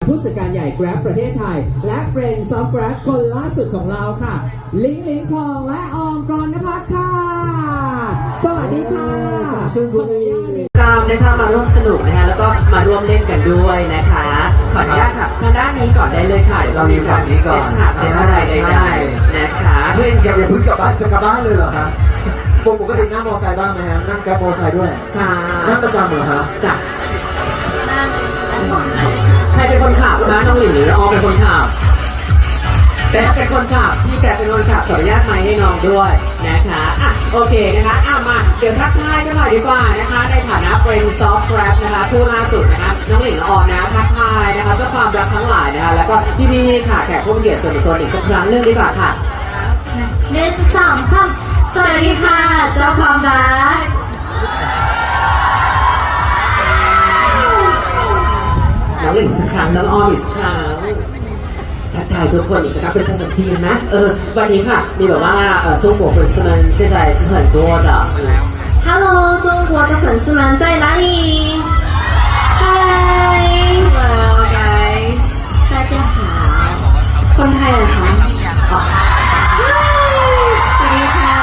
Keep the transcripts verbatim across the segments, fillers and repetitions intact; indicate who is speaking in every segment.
Speaker 1: ผู้จัดการใหญ่ Grab ประเทศไทยและ Friends of Grab คนล่าสุดของเราค่ะลิงลิงทองและออมกรณพัฒน์ค่ะสวัสดีค่ะเชิญคุณ
Speaker 2: กรามนะคะมาร่วมสนุกนะคะแล้วก็มาร่วมเล่นกันด้วยนะคะขออนุญาตค่ะทางด้านนี้ก่อนได้เลยค่ะเรามีแบบเซตฉากเซตอะไรได้นะคะ
Speaker 3: เฮ้ยอย่าอย่าเพิ่งกลับบ้านจะกลับบ้านเลยเหรอฮะปกตินั่งมอเตอร์ไซค์บ้างไหมฮะนั่งแกร็บมอเตอร์ไซค์ด้วย
Speaker 2: ค่ะ
Speaker 3: นั่งประจำเหรอฮะ
Speaker 2: จ้ะใครเป็นคนขับคะน้องหลินหรือออมเป็นคนขับแต่เป็นคนขับพี่แกเป็นคนขับขออนุญาตไมค์ให้น้องด้วยนะคะอ่ะโอเคนะคะอ่ะมาเดี๋ยวทักทายกันหน่อยดีกว่านะคะในฐานะเป็นซอฟต์แรปนะคะผู้ล่าสุดนะคะน้องหลินออมนะทักทายนะคะเจ้าความรักทั้งหลายนะคะแล้วก็พี่พี่ค่ะแขกผู้มีเกียรติส่วนส่วนอีกสักครั้งเรื่องดีกว่าค่ะ
Speaker 4: หนึ่งสองสามสวัสดีค่ะเจ้าความรัก
Speaker 2: น้องหลินสักครั้งน้องออมอีกสักครั้งทักทายทุกคนอีกสักครั้งเป็นภาษาจีนนะเออวันนี้ค่ะมีแบบว่าเอ่อ中国粉丝们现在是很多的
Speaker 4: Hello 中国的粉丝们在哪里 Hi Hello guys 大家好คนไทยเหรอคะอ๋อสวัสดีค่ะ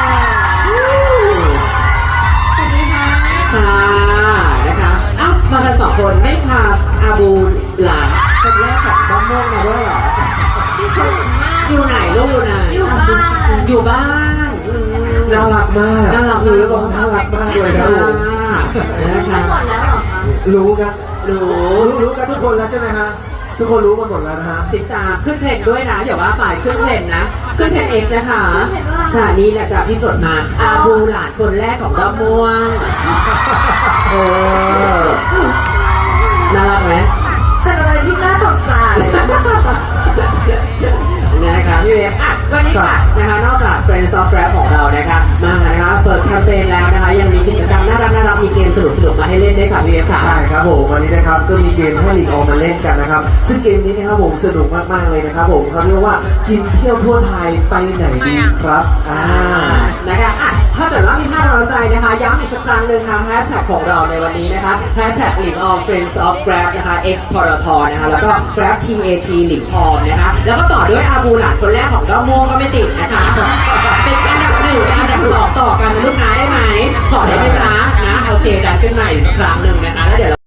Speaker 4: สวัสดีค่ะ
Speaker 2: ค่ะนะคะเอ้ามากันสองคนไม่พาอาบูหลานคนแรกกับบ้องม่วงมาด้วยเหรออยู่ไหนลูกอยู่ไหน
Speaker 4: อยู่บ้าน
Speaker 2: อยู่บ้าน
Speaker 3: น่ารักมาก
Speaker 2: น่ารัก
Speaker 3: รู้แล้วบอกน่ารักมากเลยนะ
Speaker 2: นะคะ
Speaker 4: หมดแล้วเหรอคะ
Speaker 3: รู้กัน
Speaker 2: รู้
Speaker 3: รู้รู้กันทุกคนแล้วใช่ไหมฮะทุกคนรู้กันหมดแล้วนะฮะ
Speaker 2: ติดตามขึ้นเทรนด์ด้วยนะอย่าว่าฝ่ายขึ้นเทรนด์นะขึ้นเทรนด์เองนะคะค่ะนี่แหละจากพี่สดมาอาบูหลานคนแรกของบ้องม่วงเออน่ารักไหม
Speaker 4: เป็นอะไรที่น่าสนใจ
Speaker 2: นะคะพี่เวฟอ่ะวันนี้ค่ะนะคะนอกจาก Friends of Grab ของเรานะคะมานะคะเปิดแคมเปญแล้วนะคะยังมีกิจกรรมน่ารักน่ารักมีเกมสนุกสนุกมาให้เล่นด้วยค่ะพี่เวฟค่ะ
Speaker 3: ใช่ครับผมวันนี้นะครับก็มีเกมให้ลีกออกมาเล่นกันนะครับซึ่งเกมนี้นะครับผมสนุกมากๆเลยนะครับผมเขาเรียกว่ากินเที่ยวทั่วไทยไปไหนดีครับอ่า
Speaker 2: นะคะอ่ะถ้าเกิดว่ามีภาพเราใจนะคะย้ำอีกสักครั้งหนึ่งค่ะแฮชแท็กของเราในวันนี้นะคะแฮชแท็กลีกออม Friends of Grab นะคะ X ทรทนะคะแล้วก็ Grab ที เอ ที ลีกออมนะคะแล้วก็ต่อด้วยอาบูหลานคนแรกของด้อมม่วงก็ไม่ติดนะคะเป็นอันดับหนึ่งอันดับสองต่อกันนะลูกนะได้ไหมขอได้ไหมจ๊ะนะโอเคดันขึ้นมาอีกครั้งหนึ่งนะคะแล้วเดี๋ยว